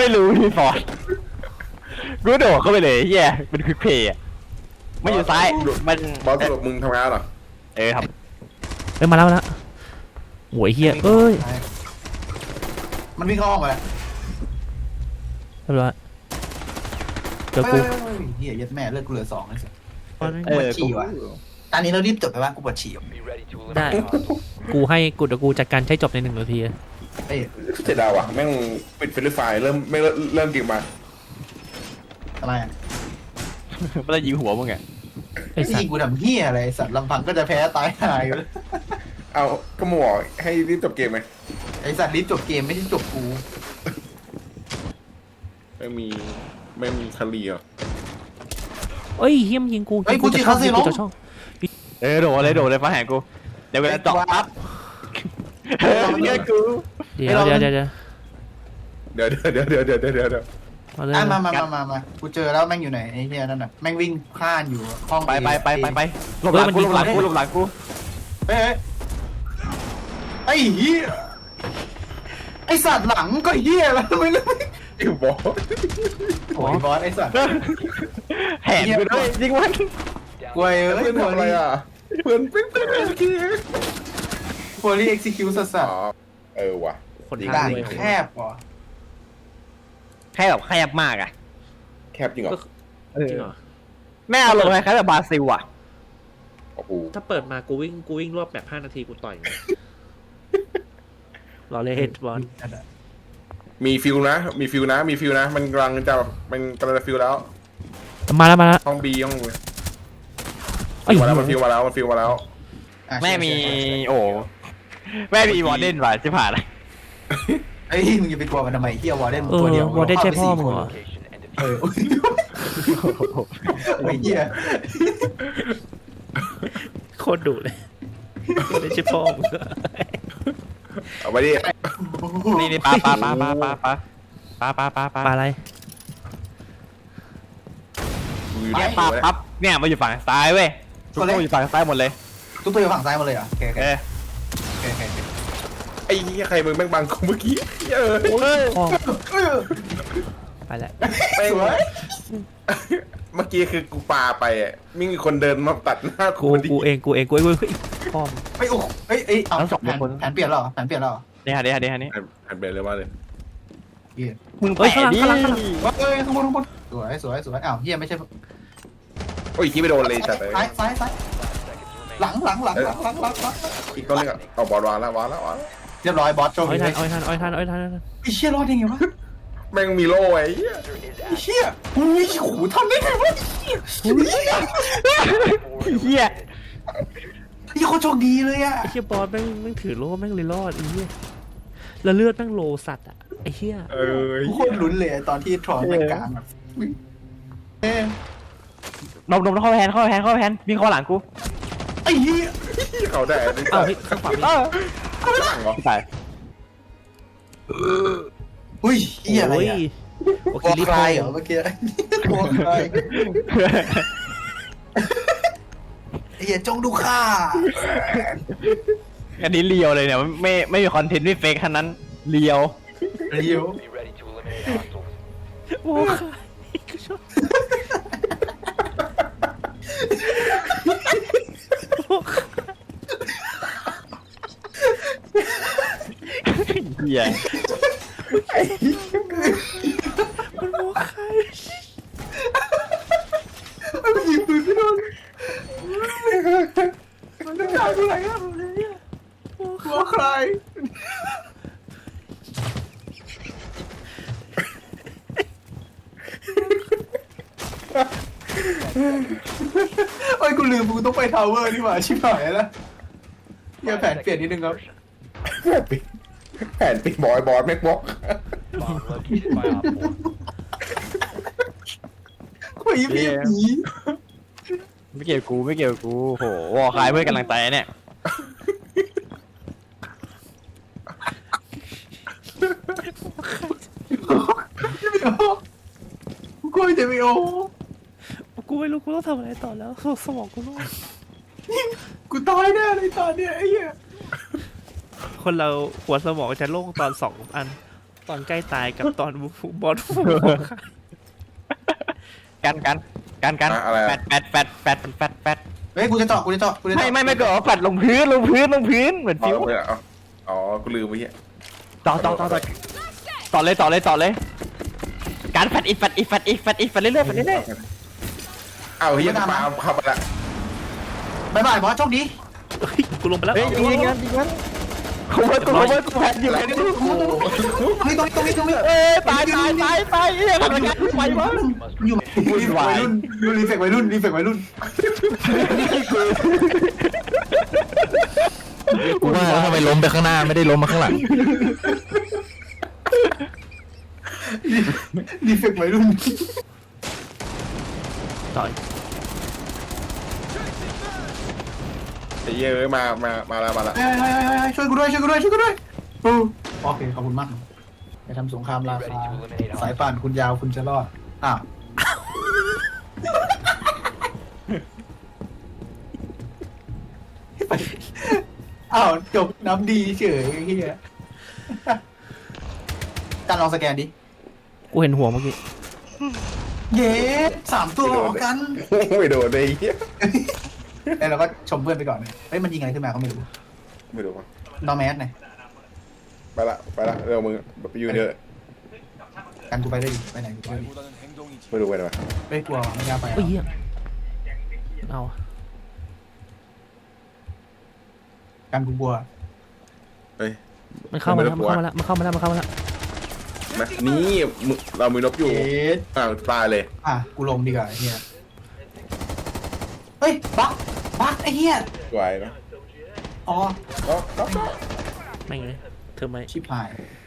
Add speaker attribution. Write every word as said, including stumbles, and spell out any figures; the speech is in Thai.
Speaker 1: รู้พี่ฟอร์ดกูโดดเข้าไปเลยเฮียเป็นควิกเพย์อ่ะไม่อยู่ซ้ายมัน
Speaker 2: บอสสรุปมึงทำงานเหรอ
Speaker 1: เออครับ
Speaker 3: เอ้ยมาแล้วมาแล้วโหยเฮียเอ้ย
Speaker 4: มันวิ่งเข้าห้องมาแล้ว
Speaker 3: เรียบร้อยเจอกู
Speaker 4: เฮียยัดแม่เลือดกูเหลือสองเลยป
Speaker 1: เออ
Speaker 4: วดฉี่ว่ะตอนนี้เรารีบจบไปว่ากูปวดฉี่
Speaker 3: ได้กูให้กูเดี๋ยวกูจัดการใช้จบในหนึ่งนาที
Speaker 4: เอ้ย
Speaker 2: เสียดายว่ะแม่งปิดเฟรนช์ไฟล์เริ่มไม่เริ่มเก็บมา
Speaker 4: ทำไมอ่ะ
Speaker 1: ไม่ได้ยิงหัวมึงไง
Speaker 4: ไอ้ยิงกูทำเฮียอะไรสัตว์ลำพังก็จะแพ้ตายหายอยู่
Speaker 2: เอาก็หมอให้รีบจบเกมไหม
Speaker 4: ไอ้สัตว์รีบจบเกมไม่ใช่จบกู
Speaker 2: ไม่มีไม่มีคารีอ่ะ
Speaker 3: เอ้ยเฮียมยิงกู
Speaker 4: ไอ้กูจีเขาสิน้อง
Speaker 1: เออโดดเลยโดดเลยฟ้าแหงกูเดี๋ยวเวลาเจาะปั๊บเงี้ยกู
Speaker 3: เดี๋ยวเดี๋ยวเดี๋ยว
Speaker 2: เดี๋ยวเดี๋ยวเดี๋ยวเดี๋ยวเดี๋ยวเดี๋ยวเดี๋ยว
Speaker 4: อ่ะมามามามามากูเจอแล้วแม่งอยู่ไหนไอ้เฮียนั่นน่ะแม่งวิ่งพล่านอยู่ห้อง
Speaker 1: ไปไปไปไปไปหลบหลังกูหลบหลังกูหลบหลังกู
Speaker 4: เฮ้ยไอ้เฮียไอ้สัตว์หลังก็เฮียแล้วไม่รู้
Speaker 2: ไอ้บอส
Speaker 4: โอ้ยบอสไอ้สัตว์
Speaker 1: แหนไปด้วยยิงมัน
Speaker 4: กวยเอ้ย
Speaker 2: เพื่อนทำอะไรอ่ะเพื่อนเป็นเพื่อนเอ็กซ์คิว
Speaker 4: โฟลี่เอ็กซิคิวสัส
Speaker 2: ๆเออว่ะ
Speaker 3: คน
Speaker 4: ด่านแคบว่ะ
Speaker 1: แคบแบบแคบมากอ่ะ
Speaker 2: แคบจริงเหรอ
Speaker 3: จริงเหรอ
Speaker 1: แม่เอาลงไปแค่แบบบราซิลอ่ะ
Speaker 2: โอ้โห
Speaker 3: ถ้าเปิดมากูวิ่งกูวิ่งรอบแบบห้านาทีกูต่อยรอเลยเฮดบอล
Speaker 2: มีฟิลนะมีฟิลนะมีฟิลนะมันกำลังจะมันกำลังจะฟิลแล้ว
Speaker 3: มาแล้วมาแล้ว
Speaker 2: ห้องบีห้องมาแล้วมันฟิลมาแล้วมันฟิลมาแล้ว
Speaker 1: แม่มีโอ้แม่มีวอร์เดนว่ะจะผ่านเลย
Speaker 4: ไอ้มึงจะไปกลัวมันทำไมเฮียวอร์เดนตัวเดียว
Speaker 3: วอร์เดนใช่พ่อมึงเหรอ
Speaker 4: เออไอ้เฮีย
Speaker 3: โคตรดุเลยวอร์เดนใช่พ่อมึง
Speaker 2: เอาไปดิ
Speaker 1: นี่นี่ปลาปลาปลาปลาปลาปลาปลาปลาปลาปลา
Speaker 3: อะไร
Speaker 1: เนี่ยปลาปั๊บเนี่ยมาอยู่ฝั่งซ้ายเว้ยทุกตัวอยู่ฝั่งซ้ายหมดเลย
Speaker 4: ทุกตัวอยู่ฝั่งซ้ายหมดเลยอ่ะโอเคโอเคโอเค
Speaker 2: ไอ้ยี่ใครมึงแม่งบังกูเมื่อกี้เออ
Speaker 3: ไปแล้ว
Speaker 4: สวย
Speaker 2: เมื่อกี้คือกูปาไปอ่ะมีคนเดินมาตัดหน้า
Speaker 3: กูกูเองกูเองกูเองกูพ่อม
Speaker 4: ไอ้โอ้ไอ้ไอ้เอาแผนแผนเปลี่ยนหรอแผนเปลี่ยนหรอ
Speaker 1: เนี่ยเดี๋ยวเดี๋ยวนี่
Speaker 2: แผนเปลี่ยนเลยว่าเลย
Speaker 1: มึงไปดิ
Speaker 4: เอ้ยข้างบนข้างบนสวยสวยสวยอ้าวเฮียไม่ใช่
Speaker 2: โอ้ยคิดไม่โดนเลยแต่เลย
Speaker 4: ซ้ายซ้ายซ้ายหลังหลังหลังหลังหลังหลังหลัง
Speaker 2: อีกคนนึงอ่ะเอาบอลวางแล้ววางแล้ววาง
Speaker 4: เรียบร้อยบอสโชว์
Speaker 3: อ้อยทันอ้อยทันอ้อยทันอ้อยทัน
Speaker 4: ไอ้เชี่ยรอดยังไงวะ
Speaker 2: แม่งมีโล่ไอ้
Speaker 4: ไอ้เชี่ยอุ้ยโหทำได้ไงวะเฮีย
Speaker 1: เฮีย
Speaker 4: ไอ้คนโชคดีเลยอ่ะ
Speaker 3: ไอ้เชี่ยบอสแม่งแม่งถือโล่แม่งเลยรอดไอ้เหี้ยแล้วเลือดแม่งโลสัตว์อ่ะไอ้เหี้ย
Speaker 2: เออ
Speaker 4: โคตรลุ้นเลยตอนที่ทรอนแม่งกลางแบบเอ๊ะ
Speaker 1: นมนมเข้าแพนเข้าแพนเข้าแพนวิ่งเข้าหลังกู
Speaker 4: ไอ้เหี้ย
Speaker 2: เขาได้
Speaker 3: เอ้าข้างขวาเออ
Speaker 2: หลังเหรอ
Speaker 1: ตาย
Speaker 4: อุ้ยเหี้ยอะไรอ่ะ
Speaker 3: โอเค
Speaker 4: รีบไปเหรอเมื่อกี้โอ้ยเหี้ยจงดูข้า
Speaker 1: อันนี้เลียวเลยเนี่ยไม่ไม่มีคอนเทนต์ไม่เฟกขนาดนั้นเลียว
Speaker 4: เลียว
Speaker 3: โอ้
Speaker 1: เฮีย
Speaker 3: มันโมคาย
Speaker 4: มันยิงปืนไม่โดนมันจะตายไปไหนอ่ะโมคายโอ้ยกูลืมกูต้องไปทาวเวอร์นี่หว่าชิบหายแล้วอย่าแผนเปลี่ยนนิดนึงครับ
Speaker 2: แผนปิดแผนปิดบอยบอสแม็กบอก
Speaker 4: คุยพี่ผี
Speaker 1: ไม่เกี่ยวกูไม่เกี่ยวกูโหวอคายเพื่อนกำลังใจเนี่ย
Speaker 4: กูจะไม่โอ้
Speaker 3: กูไม่รู้กูต้องทำอะไรต่อแล้วสมองกูรู้
Speaker 4: กูตายแน่เลยตอนเนี้ยไอ้เหี้ย
Speaker 3: คนเราหัวสมองจะโล่งตอนสองอันตอนใกล้ตายกับตอนบอล
Speaker 1: กันกันกันกัน
Speaker 2: อะอะไร
Speaker 1: แฟ
Speaker 2: อะ
Speaker 1: ดแฟดแฟดแฟดแฟดแฟด
Speaker 4: เฮ้ยกูจะเจาะกูจะเจาะกูจะ
Speaker 1: ไม่
Speaker 4: เจาะ
Speaker 1: ไม่ไม่ก็เอาแฟดลงพื้นลงพื้นลงพื้นเหมือน
Speaker 2: อ๋
Speaker 1: ฟิว
Speaker 2: อไม่เอาอ๋อกูลืมไปเหี้ย
Speaker 1: ต่อต่อต่อต่อต่อเลยต่อเลยต่อเลยการแฟดอีกแฟดอีกแฟดอีกแฟดอีกแฟดเรื่อยๆแฟดเรื่อย
Speaker 2: เอ้าเฮียปาเข้าไปละ
Speaker 4: บายบายบอสโชคดี
Speaker 3: เฮ้ยกูลงไปแล้ว
Speaker 1: ๆเฮ้ยยิงยิงกันยิงกันเขาว่ากูว่ากูแฟดอยู่แฟดอยู่
Speaker 4: เฮ้ยตรงนี้ตรงนี้ตรงนี้
Speaker 1: เอ้ยตายตายตายตายเอ้ยทำไมกันไปวะ
Speaker 4: อยู่รีเฟกวัยรุ่นอยู่รีเฟกวัยรุ่นรีเฟกวัยรุ่น
Speaker 5: กูว่าแล้วทำไมล้มไปข้างหน้าไม่ได้ล้มมาข้างหลัง
Speaker 4: รีเฟกวัยรุ่น
Speaker 3: ต่อย
Speaker 2: ไอ้เหี้ยเอ้ยมามามาแล้วมาแล้ว
Speaker 4: เฮ้ยเฮ้ยเฮ้ยเฮ้ยช่วยกูด้วยช่วยกูด้วยช่วยกูด้วยอือโอเคขอบคุณมากจะทำสงครามราคาสายป่านคุณยาวคุณจะรอดอ้าวอ้าวจบน้ำดีเฉยเฮียการลองสแกนดิ
Speaker 3: กูเห็นหัวเมื่อกี้
Speaker 4: เย้สามตัวออกกัน
Speaker 2: ไม่โดนเลยไอ้เหี้ย
Speaker 4: เอ้ยเราก็ชมเพื่อนไปก่อนเลยเฮ้ยมันยิงอะไรขึ้นมาก็ไม่รู้
Speaker 2: ไม่โดนวะ
Speaker 4: นอแมสไง
Speaker 2: ไปละไปละเร็วมึงแบบไปยืนเยอะ
Speaker 4: กันกูไปได้ดิไปไหนกูไปได้ดิ
Speaker 2: ไม่รู้ไปไหนวะ
Speaker 4: ไม่กลัวไม่กล้าไป
Speaker 3: เฮ้ยเหี้ยเอา
Speaker 4: กันกูกลัว
Speaker 2: เฮ้ย
Speaker 3: มันเข้ามาแล้วมันเข้ามาแล้วมันเข้ามาแล้วมันเข้ามาแล้ว
Speaker 2: นะนี่มึงเรามีนบอยู่
Speaker 4: เอ๊ะ
Speaker 2: อ้าวตายเลย
Speaker 4: อ่ะกูลงดีกว่าไอ้เฮียเฮ้ยบักบักไอ้เฮีย
Speaker 2: ไหวนะ
Speaker 4: อ๋อ
Speaker 2: ก็ก็
Speaker 3: ไม่งเลยเธอไม่
Speaker 4: ชิบหาย
Speaker 2: ไ